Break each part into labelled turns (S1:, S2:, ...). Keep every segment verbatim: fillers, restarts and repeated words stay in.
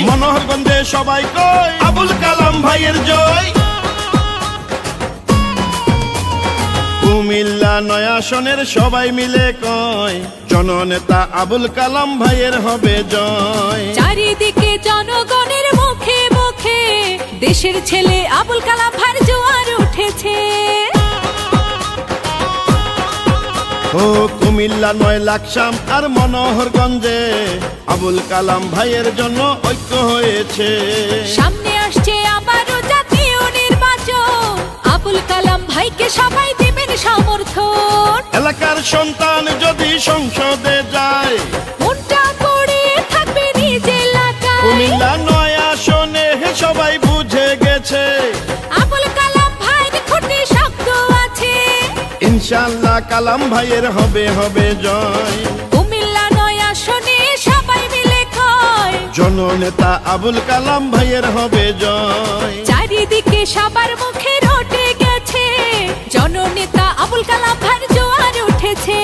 S1: মনোহরগঞ্জে সবাই কয় আবুল কালাম ভাইয়ের জয়। কুমিল্লা নয় আসনের সবাই মিলে কয় জননেতা আবুল কালাম ভাইয়ের হবে জয়।
S2: চারিদিকে জনগণের মুখে মুখে দেশের ছেলে আবুল কালাম ভাইয়ের জোয়ার উঠেছে।
S1: ও কুমিল্লা নয় লাকসাম আর মনোহরগঞ্জে আবুল কালাম ভাইয়ের জন্য ঐক্য হয়েছে।
S2: সামনে আসছে আবারও জাতীয় নির্বাচন, আবুল কালাম ভাইকে সবাই দিবেন সমর্থন।
S1: এলাকার সন্তান যদি সংসদে যায়
S2: মনটা পড়ে থাকবে নিজ এলাকায়।
S1: কুমিল্লা নয় আসনে সবাই বুঝে গেছে
S2: আবুল কালাম ভাইয়ের খুঁটি শক্ত আছে।
S1: ইনশাআল্লাহ কালাম ভাইয়ের হবে হবে জয়।
S2: কুমিল্লা নয় আসনে সবাই মিলে কয়
S1: জননেতা আবুল কালাম ভাইয়ের হবে জয়।
S2: চারিদিকে সবার মুখে রটে গেছে জননেতা আবুল কালাম ভাইয়ের জোয়ার উঠেছে।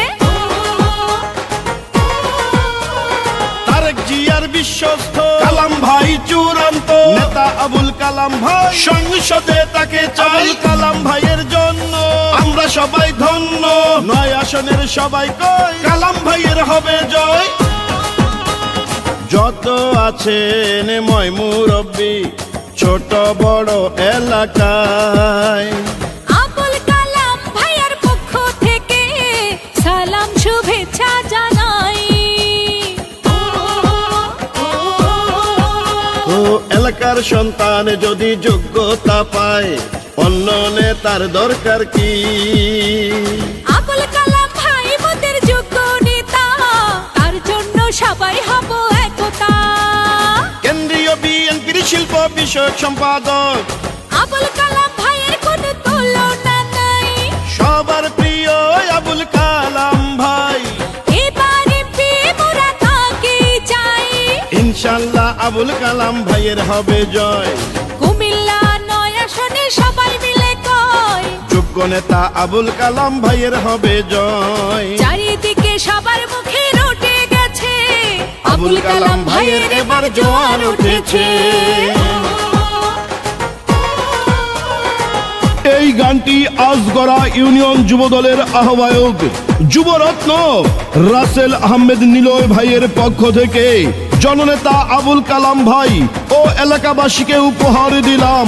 S1: তারেক জিয়ার বিশ্বস্ত কালাম ভাই চূড়ান্ত নেতা আবুল কালাম ভাই, সংসদে তাকে চাই কালাম ভাইয়ের জন্য আমরা সবাই ধন্য। নয় আসনের সবাই কয় কালাম ভাইয়ের হবে জয়। যত আছেন ময় মুরব্বি ছোট বড় এলাকায়
S2: আবুল কালাম ভাইয়ের পক্ষ থেকে সালাম শুভেচ্ছা জানাই।
S1: ও এলাকার সন্তান যদি যোগ্যতা পায় অন্য নেতার দরকার কি?
S2: আবুল কালাম ভাই মোদের যোগ্য নেতা, তার জন্য সবাই হব একতা।
S1: কেন্দ্রীয় বিএনপির শিল্প বিষয়ক সম্পাদক
S2: আবুল কালাম ভাইয়ের কোনো তুলনা নাই।
S1: সবার প্রিয় আবুল কালাম ভাই,
S2: এবার এমপি মোরা তাকে চাই।
S1: ইনশাআল্লাহ আবুল কালাম ভাইয়ের হবে জয়।
S2: কুমিল্লা নয় আসনে সবাই মিলে কয়
S1: যোগ্য নেতা আবুল কালাম ভাইয়ের হবে জয়।
S2: চারিদিকে সবার মুখে রটে গেছে
S1: আবুল কালাম ভাইয়ের এবার জোয়ার উঠেছে। এই গানটি আজগরা ইউনিয়ন যুবদলের আহ্বায়ক যুবরত্ন রাসেল আহমেদ নিলয় ভাইয়ের পক্ষ থেকে জননেতা আবুল কালাম ভাই ও এলাকাবাসীকে উপহার দিলাম।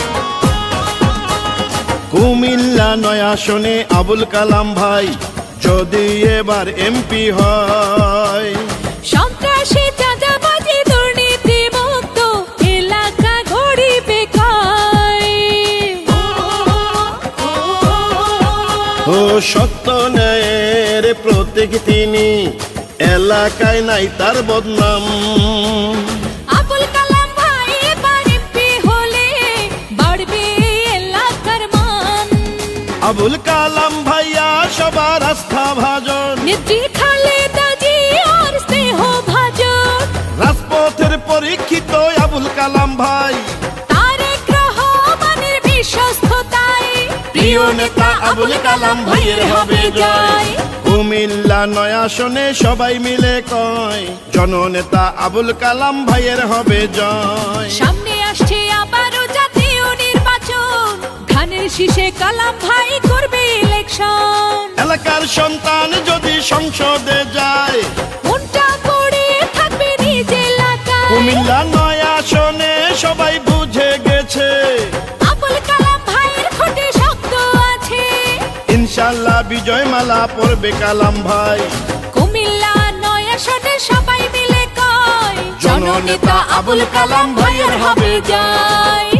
S1: কুমিল্লা নয় আসনে আবুল কালাম ভাই যদি এবার এমপি হয়,
S2: সন্ত্রাসী চাঁদাবাজি দুর্নীতি মুক্ত এলাকা গড়িবে কয়।
S1: ও সত্য ন্যায়ের প্রতীক তিনি, এলাকায় নাই তার বদনাম।
S2: আবুল কালাম ভাই এবার এমপি হলে বাড়বে এলাকার মান।
S1: আবুল কালাম ভাইয়া সবার আস্থা ভাজন,
S2: নেত্রী খালেদা জিয়ার স্নেহ ভাজন।
S1: রাজপথের পরীক্ষিত আবুল কালাম ভাই,
S2: তারেক রহমানের বিশ্বস্ততায়
S1: প্রিয় নেতা আবুল কালাম ভাইয়ের হবে জয়। কুমিল্লা নয় আসনে সবাই মিলে কয় জননেতা আবুল কালাম ভাইয়ের হবে জয়।
S2: সামনে আসছে আবারও জাতীয় নির্বাচন, ধানের শীষে কালাম ভাই করবে ইলেকশন।
S1: এলাকার সন্তান যদি সংসদে যায়
S2: মনটা পড়ে থাকবে নিজ এলাকায়।
S1: কুমিল্লা নয় আসনে সবাই বুঝে গেছে
S2: আবুল কালাম ভাইয়ের খুঁটি শক্ত আছে।
S1: ইনশাআল্লাহ বিজয় মালা পরবে কালাম ভাই।
S2: কুমিল্লা নয় আসনে সবাই মিলে কয়
S1: জননেতা আবুল কালাম ভাইয়ের হবে
S2: জয়।